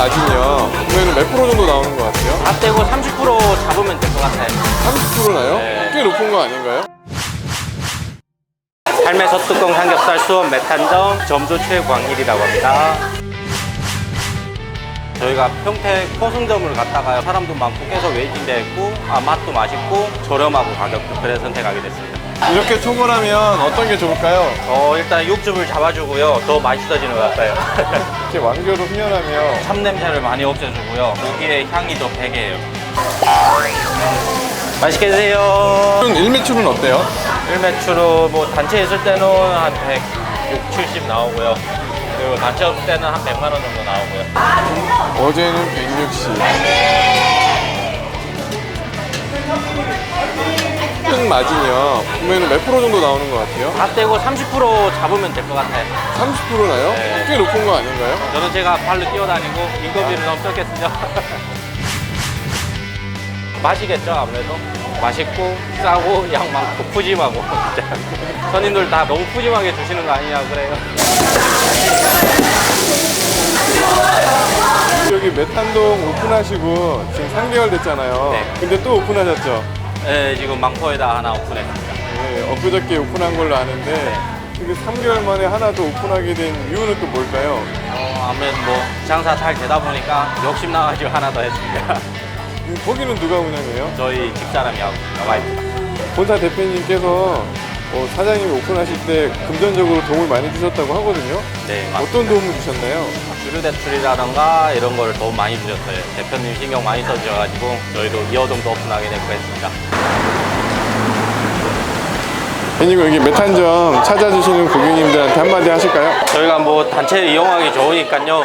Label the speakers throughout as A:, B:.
A: 마진이요. 그러면 몇 프로 정도 나오는 것 같아요?
B: 다 떼고 30% 잡으면 될 것 같아요.
A: 30%나요?
B: 네.
A: 꽤 높은 거 아닌가요?
B: 삶의 솥뚜껑 삼겹살 수원 메탄점 점주 최광일이라고 합니다. 저희가 평택 포승점을 갔다가 사람도 많고 계속 웨이팅돼 있고 맛도 맛있고 저렴하고 가격도 그래서 선택하게 됐습니다.
A: 이렇게 초벌하면 어떤 게 좋을까요?
B: 일단 육즙을 잡아주고요. 더 맛있어지는 것 같아요.
A: 이렇게 완교로 훈련하면
B: 참냄새를 많이 없애주고요. 고기의 향이 더 배게요. 맛있게 드세요.
A: 일매출은 어때요?
B: 일매출은 뭐 단체 있을 때는 한 160, 70 나오고요. 그리고 단체 없을 때는 한 100만 원 정도 나오고요.
A: 어제는 160. 큰 마진이요. 그러면 몇 프로 정도 나오는 것 같아요?
B: 다 떼고 30% 잡으면 될 것 같아요.
A: 30%나요?
B: 네.
A: 꽤 높은 거 아닌가요?
B: 저는 제가 발로 뛰어다니고 인건비를 너무 적겠습니다. 맛이겠죠, 아무래도. 맛있고 싸고 양 많고 푸짐하고 진짜. 손님들 다 너무 푸짐하게 주시는 거 아니냐고 그래요.
A: 여기 메탄동 오픈하시고 지금 3개월 됐잖아요.
B: 네.
A: 근데 또 오픈하셨죠?
B: 네, 지금 망포에다 하나 오픈했습니다.
A: 네, 엊그저께 오픈한 걸로 아는데 이게 3개월 만에 하나 더 오픈하게 된 이유는 또 뭘까요?
B: 아무래도 뭐 장사 잘 되다 보니까 욕심 나가지고 하나 더 했습니다.
A: 거기는 누가 운영해요?
B: 저희 집사람이 하고 와이프가.
A: 본사 대표님께서 사장님이 오픈하실 때 금전적으로 도움을 많이 주셨다고 하거든요.
B: 네,
A: 어떤 도움을 주셨나요?
B: 주류 대출이라던가 이런 거를 도움 많이 주셨어요. 대표님 신경 많이 써주셔가지고 저희도 2호점도 오픈하게 됐고 했습니다.
A: 그리고 여기 메탄점 찾아주시는 고객님들한테 한마디 하실까요?
B: 저희가 뭐 단체 이용하기 좋으니까요.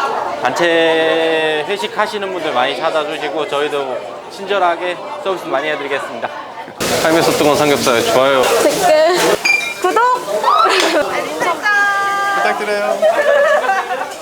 B: 단체 회식 하시는 분들 많이 찾아주시고 저희도 친절하게 서비스 많이 해드리겠습니다. 삶의 솥뚜껑 삼겹살 좋아요.
C: 댓글, 구독!
A: 부탁드려요.